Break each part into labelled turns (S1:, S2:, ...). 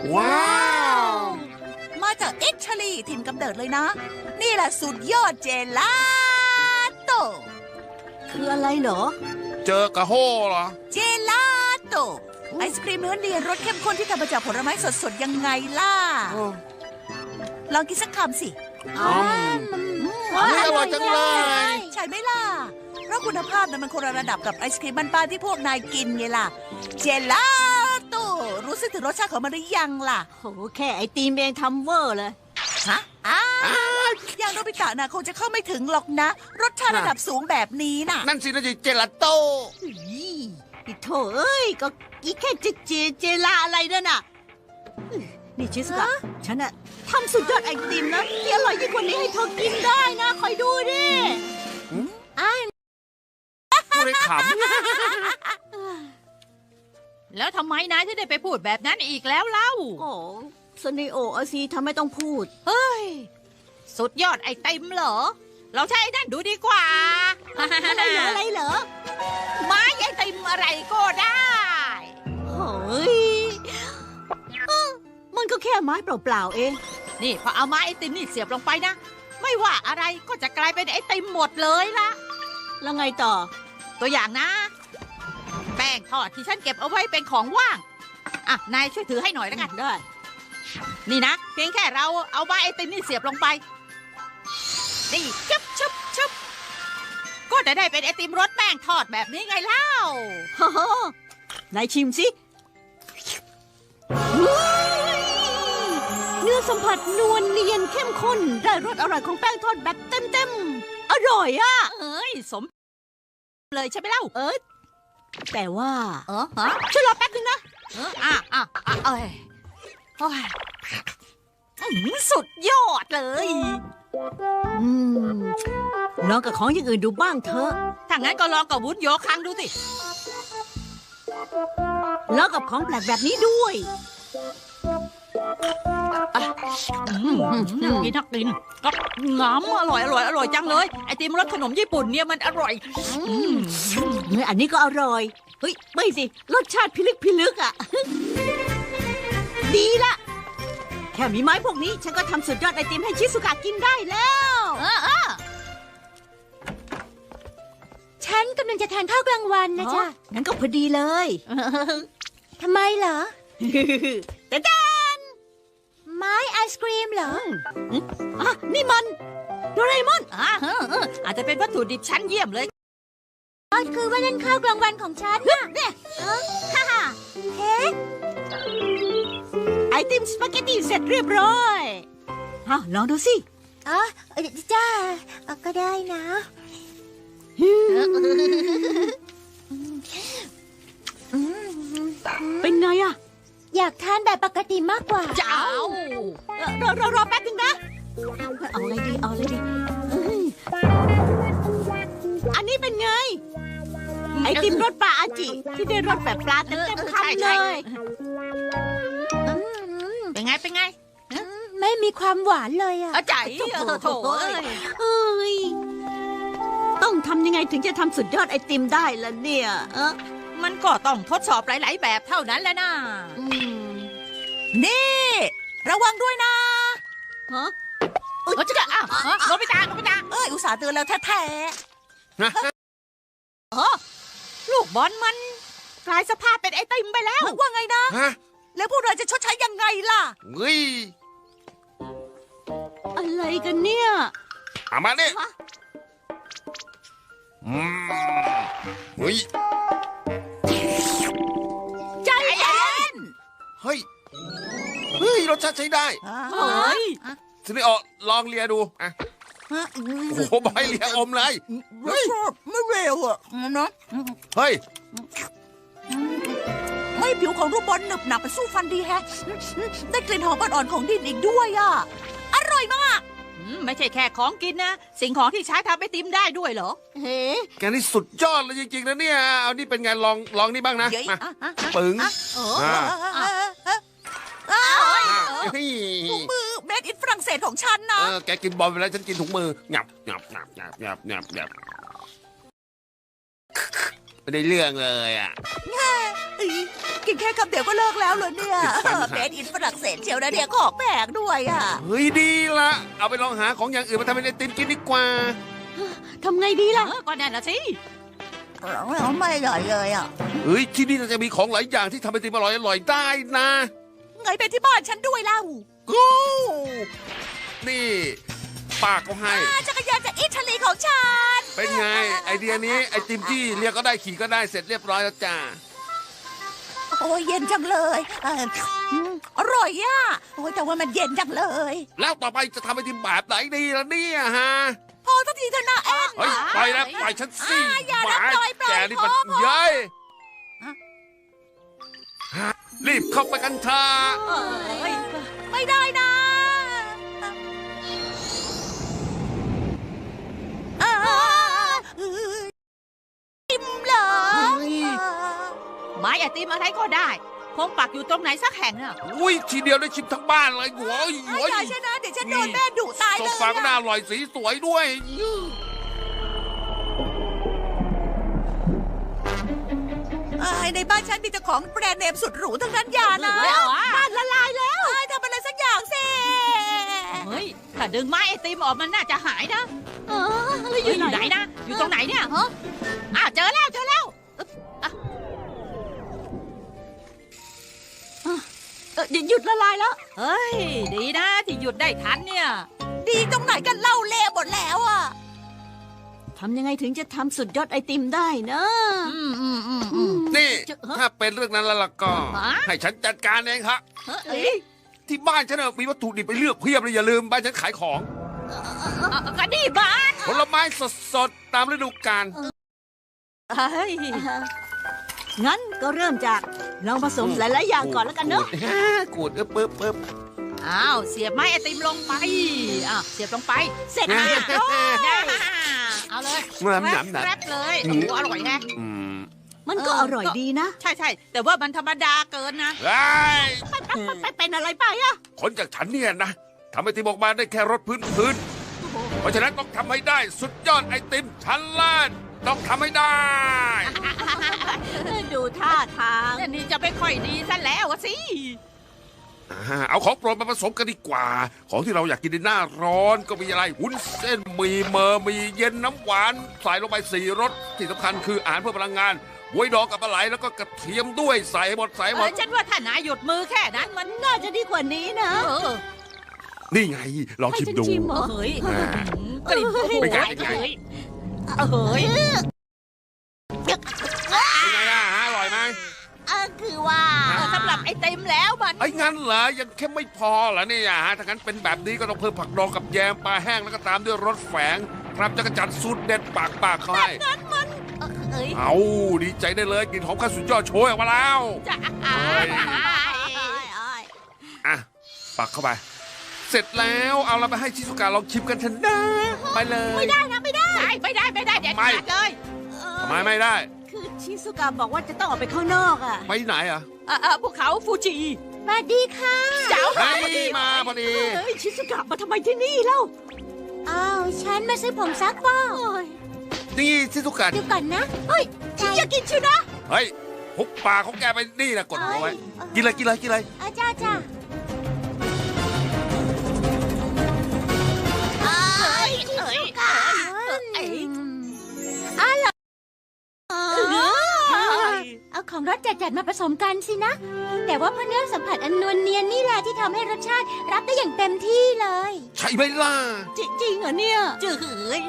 S1: ว้าว
S2: มาจากอิตาลีถิ่นกำเนิดเลยนะ นี่แหละสุดยอดเจลาโต
S3: คืออะไรเหรอ
S1: เจอกระโฮเหรอ
S2: เจลาโตไอศครีมเนื้อเนียนรสเข้มข้นที่ทำมาจากผลไม้สดๆยังไงล่ะ ลองกินสักคำสิ
S1: อืม อร่อยจังเลย
S2: ใช่ไหมล่ะ เพราะคุณภาพนั้นมันคนละระดับกับไอศครีมบ้านๆที่พวกนายกินไงล่ะ เจลาโตรู้สึกถึงรสชาติของมันหรือยังล่ะ
S3: โหแค่ไอติมเองทำเวอร์เลย
S2: ฮะอย่างโนบิตะน่ะคงจะเข้าไม่ถึงหรอกนะ รสชาติระดับสูงแบบนี้น่ะ
S1: นั่นสินะจิเจลาโต้
S3: อีโถเอ้ย ก็อีแค่เจลาอะไรนั่นน่ะ นี่ชิสกะฉันอะทำสุดยอดไอติมนะที่อร่อยยิ่งกว่านี้ให้เธอกินได้นะคอยดูดิ
S1: พูดให้ข
S4: แล้วทำไมนายถึงได้ไปพูดแบบนั้นอีกแล้วเล่า
S3: โอ้สนิโออาซีทำไมต้องพูด
S4: เฮ้ย สุดยอดไอติมเหรอ เราใช้ไอ้นั่นดูดีกว่า
S3: อะไรเหรอ
S4: ไม้ไอติมอะไรก็ได้
S3: เฮ้ยมันก็แค่ไม้เปล่าๆเอง
S4: นี่พอเอาไม้ไอติมนี่เสียบลงไปนะ ไม่ว่าอะไรก็จะกลายเป็นไอติมหมดเลยละ
S3: แล้วไงต่อ
S4: ตัวอย่างนะ แป้งทอดที่ฉันเก็บเอาไว้เป็นของว่าง อ่ะ นายช่วยถือให้หน่อยแล้วกัน
S3: ได้
S4: นี่นะ เพียงแค่เราเอาไม้ไอติมนี่เสียบลงไป นี่ชุบก็จะได้เป็นไอติมรสแป้งทอดแบบนี้ไงเล่า
S3: ฮ่าฮ่านายชิมสิเฮ้ยเนื้อสัมผัสนวลเนียนเข้มข้น ได้รสอร่อยของแป้งทอดแบบเต็มๆ อร่อยอ่ะ
S4: เอ้ยสมเลยใช่ไหมเล่า
S3: แต่ว่า
S4: ฮะ
S3: ช่วยรอแป๊บนึงนะ
S4: เอ้ยโอ้ยสุดยอดเลย
S3: อืมลองกับของอย่างอื่นดูบ้างเถอะ
S4: ถ้างั้นก็ลองกับวุ้นโยคังดูสิ
S3: ลองกับของแปลกแบบนี้ด้วย
S4: น่ากินก็งามอร่อยจังเลย ไอติมรสขนมญี่ปุ่นเนี่ยมันอร่อย
S3: อันนี้ก็อร่อย เฮ้ย ไม่สิ รสชาติพิลึกอ่ะ ดีละ แค่มีไม้พวกนี้ ฉันก็ทำสุดยอดไอติมให้ชิสุกะกินได้แล้ว
S5: ฉันกำลังจะทานข้าวกลางวันนะจ๊ะ
S3: งั้นก็พอดีเลย
S5: ทำไมเหรอ
S3: แต่
S5: ไม้ไอศกรีมเหรอ
S3: นี่มันโดเรมอน
S4: อาจจะเป็นวัตถุดิบชั้นเยี่ยมเลย
S5: คือว่านั่นข้าวกลางวันของฉันน่ะฮ่าฮ่าเฮ้
S3: ไอติมสปาเกตตีเสร็จเรียบร้อยลองดูสิ
S5: อ๋อจ้าก็ได้นะ
S3: เป็นไงอะ
S5: อยากทานแบบปกติมากกว่า
S4: เจ้า
S3: รอแป๊บนึงนะ เอาอะไรดีอันนี้เป็นไง ไอติมรสปลาอาจิ ที่ได้รสแบบปลาเต็มคำเลย
S4: เป็นไง
S5: ไม่มีความหวานเลยอะ
S4: ใจโถเอ้ย
S3: เอ้ย ต้องทำยังไงถึงจะทำสุดยอดไอติมได้ล่ะเนี่ย
S4: มันก็ต้องทดสอบหลาย ๆ แบบเท่านั้นแหละนะ
S2: นี่ ระวังด้วยนะ
S3: ฮะ
S4: จะโนบิตะ
S2: อุตส่าห์เตือนแล้วแท้
S4: ลูกบอลมันกลายสภาพเป็นไอติมไปแล้ว
S2: ๆว่าไงนะ
S1: ำฮะ
S2: แล้วพวกเราจะชดใช้ยังไงล่ะ
S1: เฮ้ย
S3: อะไรกันเนี่ย
S1: เอามาเนี่ยเฮ้ย
S2: ใจเย็น
S1: เฮ้ยรสชาติใช้ได้
S4: เฮ้ย
S1: สิริโอลองเลียดูอ่ะโอ้โหบอยเลียอมเลย
S2: ไม่เร็วอ่ะนะ
S1: เฮ้ย
S2: ไม่ผิวของรูปบอลหนึบหนับไปสู้ฟันดีแฮะ ได้กลิ่นหอมอ่อนๆของดินอีกด้วยอ่ะ อร่อยมาก
S4: ไม่ใช่แค่ของกินนะ สิ่งของที่ใช้ทำไอติมได้ด้วยเหรอ
S3: เฮ้
S1: แกนี่สุดยอดเลยจริงๆนะเนี่ย เอานี่เป็นไงลองนี่บ้างนะ
S2: เดี๋ยว
S1: มา
S2: ปึ๋
S1: ปึ๋ง เฮ้ย
S2: ถุงมือเมดอินฝรั่งเศสของฉันนะ
S1: แกกินบอลไปแล้วฉันกินถุงมืองับไม่ได้เรื่องเลยอ่ะ
S2: อีกินแค่คำเดียวก็เลิกแล้วเหรอเนี่ยเมดอินฝรั่งเศสเชียวนะเนี่ยของแพงด้วยอ่ะ
S1: เฮ้ยดีละเอาไปลองหาของอย่างอื่นมาทำเป็นไอติมกินดีกว่า
S3: ทำไงดีล่ะ
S4: ก็นั่นน่ะสิ
S2: ไม่อร่อยเลยอ่ะ
S1: เฮ้ยที่นี่น่าจะมีของหลายอย่างที่ทำไอติมอร่อยๆได้นะ
S2: ไงเป็นที่บ้านฉันด้วยเล่า
S1: กูนี่ป้าก็ให้
S2: จักรยานจากอิตาลีของฉัน
S1: เป็นไง ไอเดียนี้ไอติมที่เรียกก็ได้ขี่ก็ได้เสร็จเรียบร้อยแล้วจ้า
S2: โอ้ยเย็นจังเลยอร่อยอ่ะโอ้ยแต่ว่ามันเย็นจังเลย
S1: แล้วต่อไปจะทำไอติมแบบไหนดีล่ะเนี่ยฮะ
S2: พอสักทีเถอะนะแอน
S1: เฮ้ยปล่อยนะปล่อยฉันสิ
S2: อย่า
S1: ห
S2: นะ
S1: มา
S2: ปล่อย
S1: แกนี่มัน
S2: พอ
S1: เย้ยฮะรีบเข้าไปกันเถอะ
S2: ไม่ได้นะอิ่มเหรอ
S4: ไม้ไอติมอะไรก็ได้ คงปักอยู่ตรงไหนสักแห่งน่ะ
S1: อุ้ยทีเดียวได้ชิมทั้งบ้านเลยหัวหัว
S2: อย่าชนะเดี๋ยวฉันโดนแม่ดุตาย
S1: โซ
S2: เลย
S1: ฟาก็น่าอร่อยสีสวยด้วย
S2: ในบ้านฉันมีแต่ของแบรนด์เนมสุดหรูทั้งนั้นอย่านะ
S4: เฮ้ยเอาอะ
S2: บ้านละลายแล้วทำอะไรสักอย่างสิ
S4: เฮ้ย ถ้าดึงไม้ไอติมออกมันน่าจะหายนะ
S3: แล้วอ
S4: อยู่
S3: ยู่
S4: ไห
S3: ไห
S4: น
S3: น
S4: นะ อยู่ตรงไหนเนี่ยอ้าวเจอแล้วเจอแล้ว
S3: หยุดละลายแล้ว
S4: เฮ้ย ดีนะที่หยุดได้ทันเนี่ย
S2: ดีตรงไหนกันเล่าเละหมดแล้วอ่ะ
S3: ทำยังไงถึงจะทำสุดยอดไอติมได้นะ
S1: นี่ถ้าเป็นเรื่องนั้นแล้วล่ะก็
S4: ฮะ
S1: ให้ฉันจัดการเองครับ
S4: เฮ้ย
S1: ที่บ้านฉันน่ะมีวัตถุดิบไปเลือกเพียบเลยอย่าลืมบ้านฉันขายของ
S4: ก็ดีบ้าน
S1: ผลไม้สดๆตามฤดูกาล
S4: เฮ้ย
S3: งั้นก็เริ่มจากลองผสมหลายๆอย่างก่อนแล้วกันเนอะ
S1: กูดปึ๊บ
S4: อ้าว เสียบไม้ไอติมลงไป อ้าว เสียบลงไป
S3: เสร็จ
S4: อ่ะ
S3: แล้ว
S4: เอาเลย
S1: หนำ
S4: แรปเลยโอ้โหอร่อยแฮะ
S1: อืม
S3: มันก็อร่อยดีนะ
S4: ใช่ใช่แต่ว่ามันธรรมดาเกินนะ
S1: ไอ้
S3: ไปเป็นอะไรไปอะ
S1: คนจากฉันเนี่ยนะทำไอติมออกมาได้แค่รสพื้นเพราะฉะนั้นต้องทำให้ได้สุดยอดไอติมชั้นเลิศต้องทำให้ได้
S3: ดูท่าทาง
S4: นี่จะไม่ค่อยดีซะแล้วอะสิ
S1: เอาของโปรดมาผสมกันดีกว่า ของที่เราอยากกินในหน้าร้อนก็มีอะไรวุ้นเส้นมีเมอร์มีเย็นน้ำหวานใส่ลงไป4 รสที่สำคัญคืออาหารเพื่อพลังงานบวยดองกับปลาไหลแล้วก็กระเทียมด้วยใส่ให้หมด
S4: ฉันว่าถ้านายหยุดมือแค่นั้นมัน
S3: น่าจะดีกว่านี้นะ
S1: นี่ไงลอง
S3: ให้
S1: ชิม
S3: ฉัน
S1: ดู
S3: ชิมเหรอ
S4: เฮ้ย
S1: แหม
S4: กลิ่นโอ้โห
S1: เป็นไง
S4: เฮ้ยเฮ้ย
S1: เป็นไงล่ะฮะอร่อยไหม
S2: คือว่า
S4: สำหรับไอติมแล้วมัน
S1: ไอ้งั้นเหรอยังแค่ไม่พอเหรอเนี่ยฮะถ้างั้นเป็นแบบนี้ก็ต้องเพิ่มผักดองกับแยมปลาแห้งแล้วก็ตามด้วยรสแฝงครับจักรจันทร์สูตรเด็ดปากเขาให้
S4: เอ้ย
S1: เอาดีใจได้เลยกลิ่นหอมข้าวสุดยอดโชยออกมาแล้ว
S4: จะ
S1: อ่ะปักเข้าไป เสร็จแล้วเอาเราไปให้ชิซุกะลองชิมกันเถอะนะไปเลย
S4: ไม่ได้เด็ดขาดเลย
S1: ทำไมไม่ได้
S3: คือชิซุกะบอกว่าจะต้องออกไปข้างนอกอะ
S1: ไปไหนอ่ะ
S4: ภูเขาฟูจิ
S3: สวัสดีค่ะ
S4: เจ้า
S1: เฮ้ยมาพอดี
S3: เฮ้ยชิซุกะมาทำไมที่นี่เล่า
S5: อ้าว ฉันมาซื้อผงซักฟอก
S1: นี่ชิซุกะ
S5: เดี๋ยวก่อนนะ
S3: เฮ้ยอย่ากินชิวนะ
S1: เฮ้ยหุบปากของแกไปนี่นะกดหัวไว้กินเลย
S5: อาจ้าจ้า เอาของรสจัดๆมาผสมกันสินะ แต่ว่าเพราะเนื้อสัมผัสอันนวลเนียนนี่แหละที่ทำให้รสชาติรับได้อย่างเต็มที่เลย
S1: ใช่ไหมล่ะ
S3: จริงเหรอเนี่ย
S4: จืด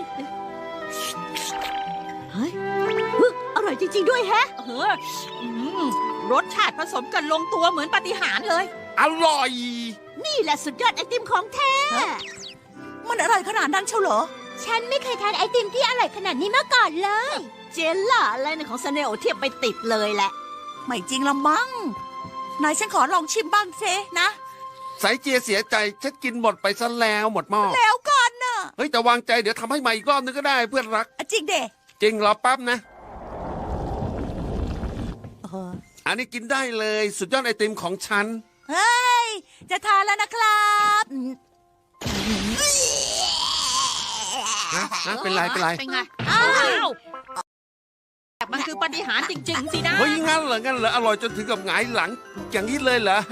S3: เฮ้ยอร่อยจริงๆด้วยแฮะ
S4: รสชาติผสมกันลงตัวเหมือนปาฏิหาริย์เลย
S1: อร่อย
S3: นี่แหละสุดยอดไอติมของแท้
S2: มันอร่อยขนาดนั้นเชียวเหรอ
S5: ฉันไม่เคยทานไอติมที่อร่อยขนาดนี้มาก่อนเลย
S3: เจลล่าอะไรในของซาเนโอเทียบไปติดเลยแหละ
S2: ไม่จริงละมั้งไหนฉันขอลองชิมบ้างเซนะ
S1: สายเจียเสียใจฉันกินหมดไปซะแล้วหมดหม้อ
S2: แล้วกันน่ะ
S1: เฮ้ยแต่วางใจเดี๋ยวทำให้ใหม่อีกรอบนึงก็ได้เพื่อนรัก
S2: จริงเด็
S1: จริงรอแป๊บนะ อันนี้กินได้เลยสุดยอดไอติมของฉัน
S2: เฮ้ย จะทานแล้วนะครับ
S1: เป็นไร
S4: เป็นไง อ้าวมันคือปาฏิหาริย์จริง ๆ สินะ
S1: เฮ้ยงั้นเหรออร่อยจนถึงกับหงายหลัง อย่างนี้เลยเหรอ